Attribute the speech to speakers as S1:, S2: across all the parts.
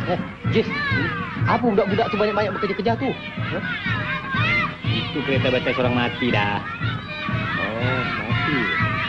S1: Jis, apa budak-budak tu banyak-banyak bekerja-kerja tu?
S2: Itu kereta batas orang mati dah.
S1: Oh, mati.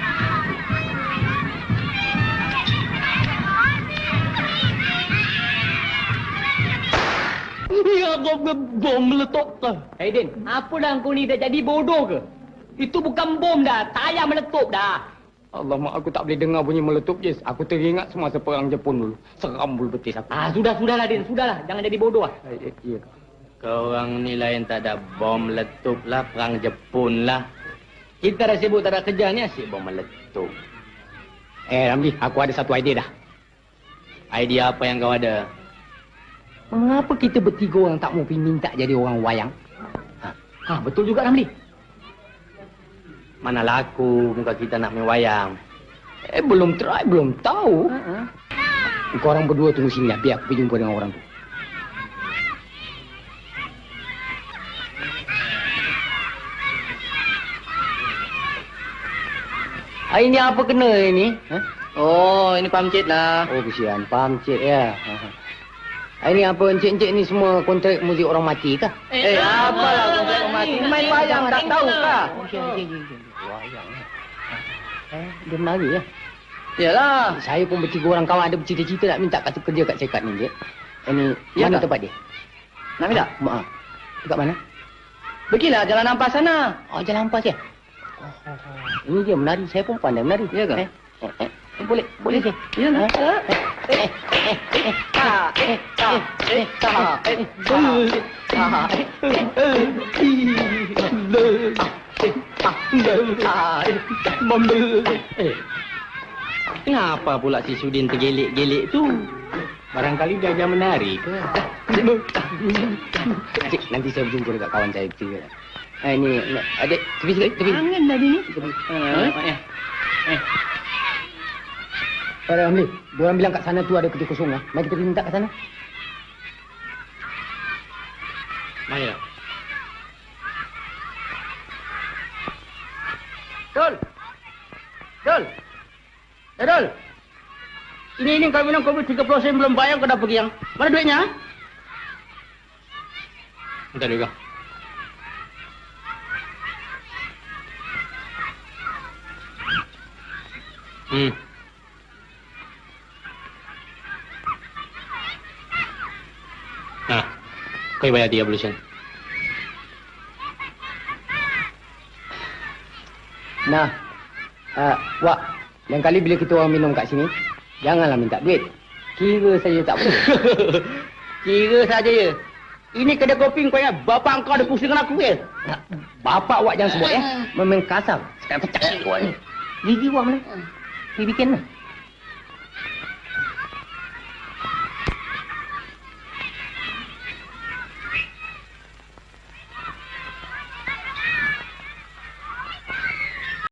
S2: Ya, bom meletup ke?
S3: Hei Din, apa dah kau ni dah jadi bodoh ke? Itu bukan bom dah, tayar meletup dah.
S2: Allah, mak aku tak boleh dengar bunyi meletup, Jis. Aku teringat semasa perang Jepun dulu. Seram bulu betis aku.
S3: Sudahlah Din, sudahlah. Jangan jadi bodoh lah.
S2: Ya. Kau orang ni lain tak ada bom meletup lah, perang Jepun lah. Kita dah sibuk tak ada kerja ni, asyik bom meletup.
S1: Ramli, aku ada satu idea dah.
S2: Idea apa yang kau ada?
S1: Mengapa kita bertiga orang tak mau pergi minta jadi orang wayang?
S3: Betul juga Ramli.
S2: Mana laku muka kita nak main wayang.
S1: Belum try, belum tahu. Korang berdua tunggu sini lah, biar aku pergi jumpa dengan orang tu.
S2: Ini apa kena ini? Oh, ini pamcit lah.
S1: Oh, kesian, pamcit ya. Ini apa encik-encik ni semua kontrak muzik orang mati kah?
S2: Apalah kontrak orang mati? Main wayang tak tahu kah?
S1: Wayang. Dia menari ya?
S2: Yalah.
S1: Saya pun bertiga orang kawan ada bercita-cita nak minta kerja kat cekat ni, Cik. Ini
S2: Ya
S1: mana
S2: kah?
S1: tempat dia?
S2: Nak minta?
S1: Maaf. Dekat mana?
S2: Pergilah jalan nampas sana.
S1: Oh, Jalan Ampas ya? Ini dia menari, saya pun pandai menari.
S2: Ya kah?
S1: Boleh je.
S2: Ya lah. Kenapa pula si Sudin tergelik-gelik tu? Barangkali dia ajar menari ke?
S1: Cik, nanti saya berjumpa dekat kawan saya kecil. Ini, adik, tepi sikit, tepi.
S2: Angan dah dia ni.
S1: Ramli, diorang bilang kat sana tu ada kerja kosong lah. Mari kita pergi minta kat sana.
S2: Mari.
S3: Dol! Dol!
S2: Ini kau minum kopi 30 sen belum bayar, kau dah pergi yang. Mana duitnya? Bentar juga. Nah, kau bayar 30 sen.
S1: Nah, Wak, lain kali bila kita orang minum kat sini, janganlah minta duit. Kira saja tak boleh.
S2: Kira saja ya. Ini kedai kopi kau ingat bapak kau ada pusing dengan aku ya?
S1: Bapak Wak jangan sebut ya. Memang kasar. Sekarang pecah sikit Wak ni. Gigi Wak mana? Pergi bikin lah.